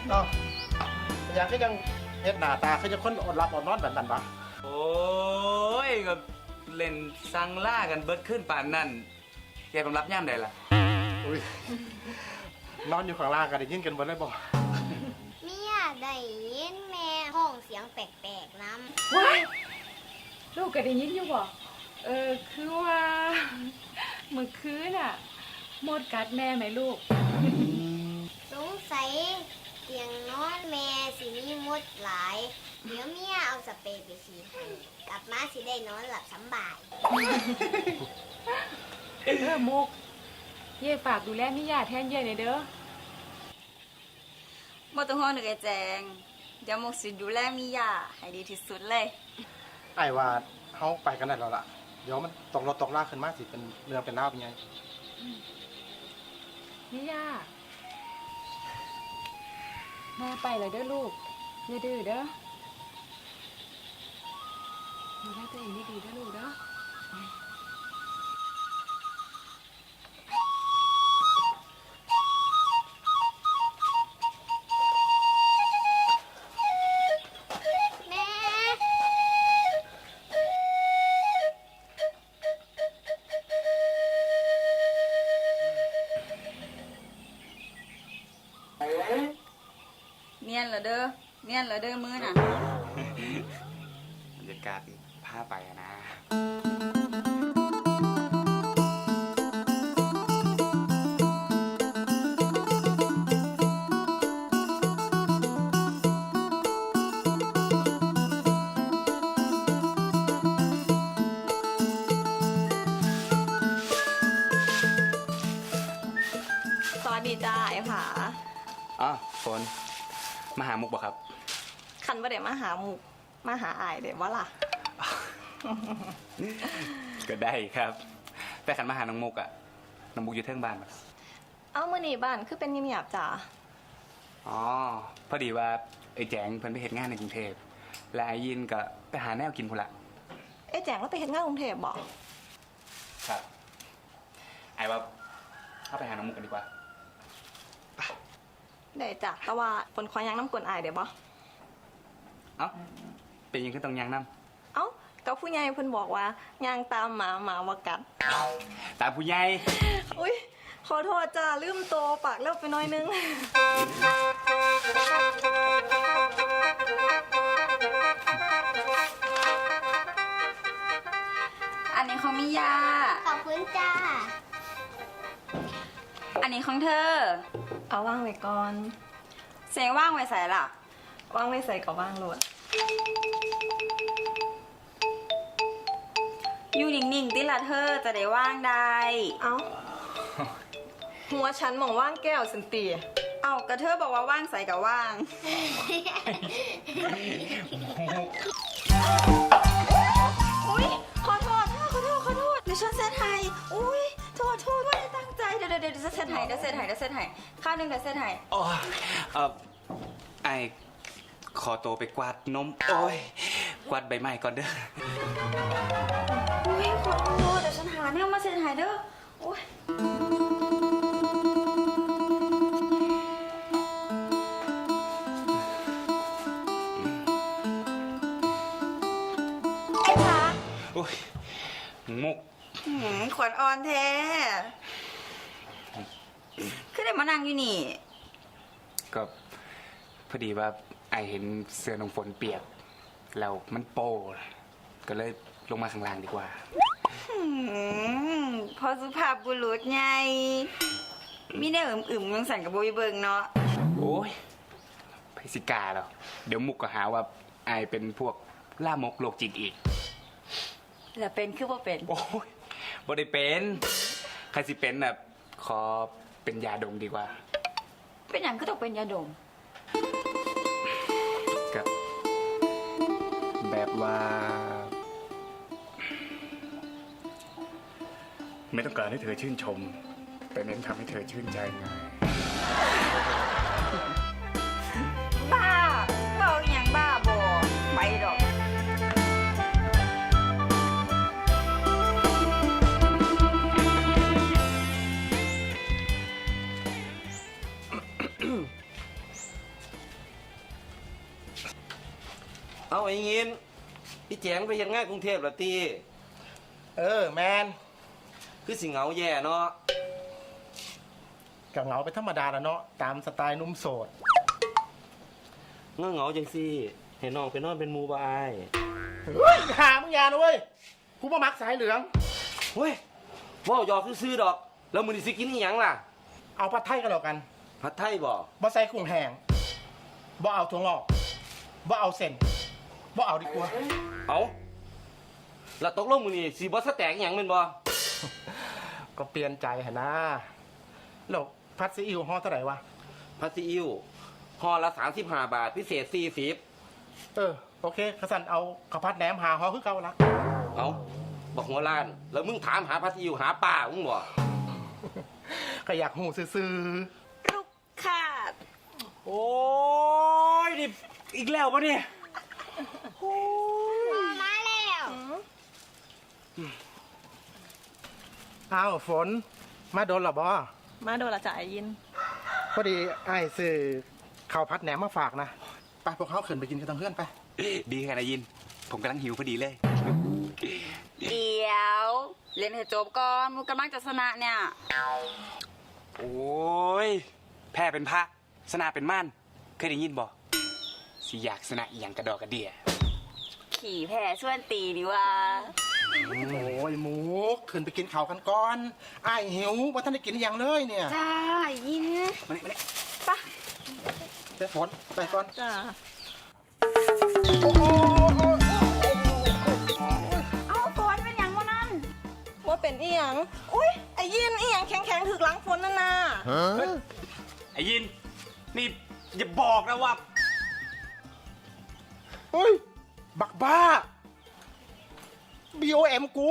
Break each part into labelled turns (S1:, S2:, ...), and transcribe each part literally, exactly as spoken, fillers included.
S1: เนาะอย่างก็ยังเฮ็ดหน้าตาคือจะคนอดหลับอดนอนแบบนั้นปะ
S2: โอ้ยก็เล่นซังล่ากันเบิดขึ้นป่านนั่นแกผมรับย่ามได้ล่ะ
S1: อุ้ยนอนอยู่ข้างล่างกันได้ยินกันบ่ได้บ่
S3: เมียได้ยินแม่ห้องเสียงแปลกๆน้ำ
S4: ว้ายลูกก็ได้ยินอยู่บ่เออคือว่าเมื่อคืนน่ะมดกัดแม่ไหมลูก
S3: สงสัยเตียงนอนแม่สิมีมดหลายเดี๋ยวเมียเอาสเปรย์ไปฉีดให้กลับมาสิได้นอนหลับสบาย
S4: เออมุกเย่ฝากดูแลมิยาแทนเย่หน่อยเด้อ
S5: บ่ต้องห่วงเด้อไอ้แจงเดี๋ยวมุกสิดูแลมิยาให้ดีที่สุดเลย
S1: ไอ้ว่าเฮาไปกันได้แล้วล่ะเดี๋ยวมันตกรถตกลากขึ้นมาสิเป็นเรื่องเป็นราวเป็นไง
S4: มิยาแม่ไปเลยเด้อลูกอย่าดื้อเด้อดูแลตัวเองดีๆเด้อลูกเด้อ
S5: เนียนเหรอเด้อเนียนเหรอเด้อมือน่ะ
S2: บรรยากาศพาไปนะ
S5: สวัสดีจ้าไอ้ผา
S2: อ๋อฝนมาหามุกบ่ครับ
S5: คันว่าเดี๋ยวมาหามุกมาหาอายเดี๋ยวว่าล่ะ
S2: ก็ได้ครับแต่ขันมาหาน้องมุกอะน้องมุกอยู่เทิงบ้านปะ
S5: เอ้ามื่อนี้บ้านคือเป็นเงียบๆจ้า
S2: อ๋อพอดีว่าไอ้แจงเพิ่นไปเฮ็ดงานในกรุงเทพและไอ้ยินก็ไปหาแนวกินพุ่นละ
S5: ไอ้แจงแล้วไปเฮ็ดงานกรุงเทพบ่
S2: ครับไอ้ว่าเข้าไปหาน้องมุกกันดีกว่า
S5: ได้จ้ะแต่ว่าฝนขอยังน้ำกวนอายเดี๋ยวบ่
S2: เอ้าเป็นยังขึ้นตรงยางน้
S5: ำเอ้ากับผู้ใหญ่เพิ่นบอกว่ายางตามหมาหมาว่ากัด
S2: ตามผู้ใหญ่
S5: อุ้ยขอโทษจ้าลืมโตปากเล็บไปหน่อยนึงอันนี้ของมิยา
S3: ขอบคุณจ้า
S5: อันนี้ของเธอเอาว่างไว้ก่อนเสียงว่างไว้ใส่ล่ะว่างไว้ใส่กับว่างโหลดอยู่นิ่งๆติละเธอจะได้ว่างได้เอ้าหัวฉันมองว่างแก้วสันตีเอ้ากระเธอบอกว่าว่างใส่กับว่างอุ้ยขอโทษขอโทษขอโทษเดี๋ยวฉันเซตไทยอุ้ยโทษโทษไม่ได้ตั้งใจเดี๋ยวเดี๋ยวเดี๋ยวเซตไทยเดี๋ยวเซตไทยเดี๋ยวเซตไทยข้าวหนึ่งเดี๋ยวเซตไทย
S2: อ๋อเออไอขอตัวไปกวาดนมโอ้ยกวาดใบไม้ก่อนเด้อ
S5: อุ้ยขอโทษเดี๋ยวฉันหาเนี่ยมาเซตไทยเด้อโอ้ยไอ้ขา
S2: โอ้ยมุก
S5: ขวัญอ่อนแท้คือได้มานั่งอยู่นี่
S2: ก็พอดีว่าไอเห็นเสื้อน้องฝนเปียกแล้วมันโป้ก็เลยลงมาข้างล่างดีกว่า
S5: พอสุภาพบุรุษไงมีได้อึมๆยังสั่นกับโบยเบิงเนาะ
S2: โอ้ยไพสิกาแล้วเดี๋ยวมุกก็หาว่าไอเป็นพวกล่ามกโรคจิตอีก
S5: แล้วเป็นคือว่าเป็น
S2: โอ้ยบ่ได้เป็นใครสิเป็นแบบขอเป็นยาดมดีกว่า
S5: เป็นอย่างก็ต้องเป็นยาดม
S2: กับแบบว่าไม่ต้องการให้เธอชื่นชมแต่เน้นทำให้เธอชื่นใจไง
S5: บ้าเบาอย่างบ้าบอไปดอก
S1: อ
S6: เอาไอ้ยินพี่แจงไปเฮ็ดงานกรุงเทพละตี
S1: เออแมน
S6: คือสิเหงาแย่เนาะ
S1: กับเหงาไปนธรรมดาแล้วเนาะตามสไตล์หนุ่มโสด
S6: เงาเหงาจังซี่ให้น้องไปนอนเป็นหมู่บ่อาย
S1: เฮ้ยหามึงอยานะเว้ยกูมามักสายเหลือง
S6: เฮ้ยเว้าหยอกซื่อๆดอก แล้วมื้อนี้สิกินอีหยังล่ะ
S1: เอาผัดไทยกันแล้วกัน
S6: ผัดไทยบ่
S1: บ่ใส่กุ้งแห้งบ่เอาถั่วงอกบ่เอาเส้นบ่เอาดีกว่า
S6: เอาแล้วตกลงมื้อนี้สิบ่สแต็กอีหยังแม่นบ่
S1: ก็เปลี่ยนใจหนนะแล้วผัดซีอิ๊วห่อเท่าไหร่วะ
S6: ผัดซีอิ๊วห่อละสามสิบห้าบาทพิเศษสี่สิบ
S1: เออโอเคขสันเอาข้าวผัดแหนมหาห่อคือเก่าละ
S6: เอาบอกหัวล้าน แล้วมึงถามหาผัดซีอิ๊วหาป้ามึงบ่
S1: ก็อยากหูซื่อ
S5: ลูกค่ะ
S2: โอ้ยนี่อีกแล้วปะเนี่ย
S3: พอมาแล้ว
S1: ๆอ้าวฝนมาโดนหรอบอ
S7: มาโดนละจ่ายยิน
S1: พอดีไอ้ายซื้อข้าวผัดแหนมมาฝากนะไปพวกเขาขึ้นไปกินกันทั้งเพื่อนไป
S2: ดีค่ะนายยิน ผมกำลังหิวพอดีเลย
S5: เดี๋ยวเล่นให้จบก่อนมูกำลังจะชนะเนี่ย
S2: โอ้ย แพ้เป็นพระสนาเป็นม่านเคยได้ยินบ่สิอยากสนะอหย่างกระดอกกระเดีย
S5: ขี่แพ้ส่วนตีดีว่า
S1: โอ้ยหมูขึ้นไปกินข้าวกันก่อนไอ้ายหิวว่าท่านได้กินอหย่างเลยเนี่ย
S5: จ้ายิน
S2: มานี่มานี่
S5: ปะ
S1: ไปฝนไปก่อน
S7: จ้า
S5: เอาฝนเป็นอย่างวะนั่น
S7: ว่าเป็นอีหยังอุ้ยไอ้ยินอีหยังแข็งแข็งๆถึกหลังฝนนั่นน่ะ
S2: ไอ้ยิน นี่อย่าบอกนะว่า
S1: เฮ้ยบักบ้า บี โอ เอ็ม กู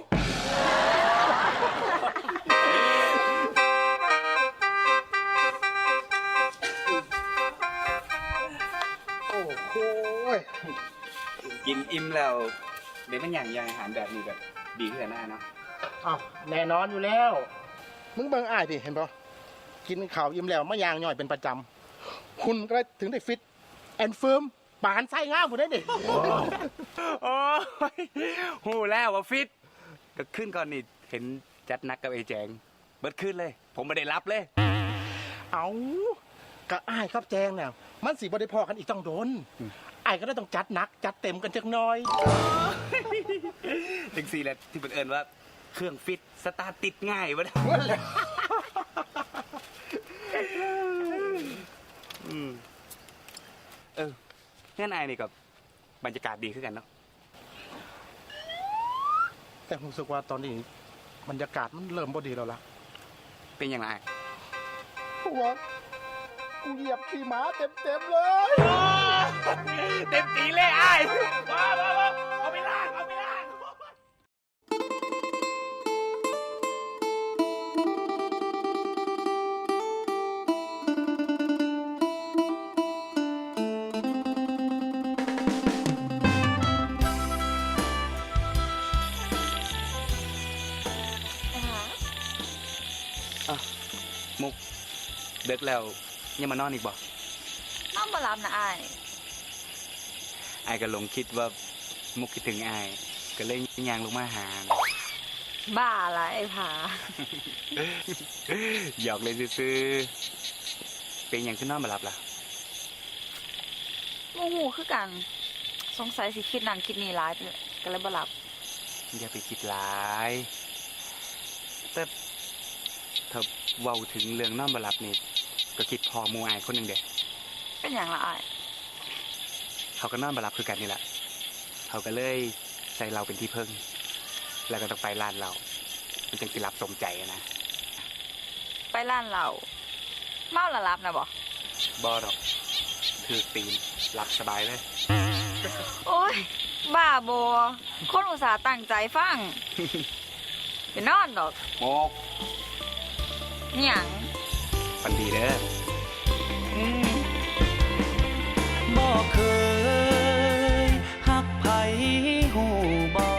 S1: โอ้โห
S2: กินอิ่มแล้วเดี๋ยวมันอย่างอย่างอาหารแบบนี้แบบดีขึ้นหน้าเนาะ
S1: อ้าวแน่นอนอยู่แล้ว มึงเบิ่งอ้ายดิเห็นปะกินข้าวอิ่มแล้วมะยางย่อยเป็นประจำ คุณก็ถึงได้ฟิตแอนด์เฟิร์มปานไส้ง่ามผมได้ดิ
S2: โอ้ยหูแล้วว่าฟิตก็ขึ้นก่อนนี่เห็นจัดนักกับไอ้แจงเบิดขึ้นเลย ผมไม่ได้รับเลย
S1: เอากะอ้ายครับแจงเนี่ยมันสีบ่ได้พอกันอีกต้องโดนอ้ายก็ได้ต้องจัดหนัก จัดเต็มกันจักหน่อย
S2: ถึงสี่แหละที่เป็นเอิญว่าเครื่องฟิตสตาร์ทติดง่ายวะ อืมเอองั้นนายนี่กับบรรยากาศดีขึ้นกันเนาะ
S1: แต่ผมรู้สึกว่าตอนนี้บรรยากาศมันเริ่มบ่ดีแล้วล่ะ
S2: เป็นอย่างไร
S1: เพราะว่ากูเหยียบขี่ม้าเต็มๆเลย
S2: เต็มตีเลยไอ้มามามาเอาไปล่างเอาไปล่าง มุกเด็กแล้วยังมานอนอีกบ่
S5: น้องมารับนะไอ้าย
S2: ไอ้ก็หลงคิดว่ามุกคิดถึงไอ้ก็เลยยางลงมาหา
S5: บ้าละไอ้ผา
S2: หยอกเลยซื้อๆเป็นอย่างขึ้นนอนมาหลับล่ะ
S5: โมโหคือกัน สงสัยสิคิดนั่นคิดนี่ร้ายไปเลยก็เลยบ่หลับ
S2: อย่าไปคิดร้าย แต่ถ้าเว้าถึงเรื่องนอนมาหลับนี่ก็คิดพอหมูอายคนหนึ่งเด็ก
S5: เป็นอย่างละไอ้าย
S2: เขาก็นอนมาหลับคือกันนี่แหละเขาก็เลยใส่เราเป็นที่พึ่ง แล้วก็ต้องไปร้านเรา มันจึงสิรับสมใจอะนะ
S5: ไปร้านเราเมาละรับนะบ่
S2: บอดอกคือตีนหลับสบายเลย
S5: โอ้ยบ้าโบคนอุตส่าห์ตั้งใจฟัง ไปนอนดอก
S2: โมก
S5: นี่หยัง
S2: ฟันดีเด้อ
S5: อืม
S8: บ่เคยหักไผหูบ่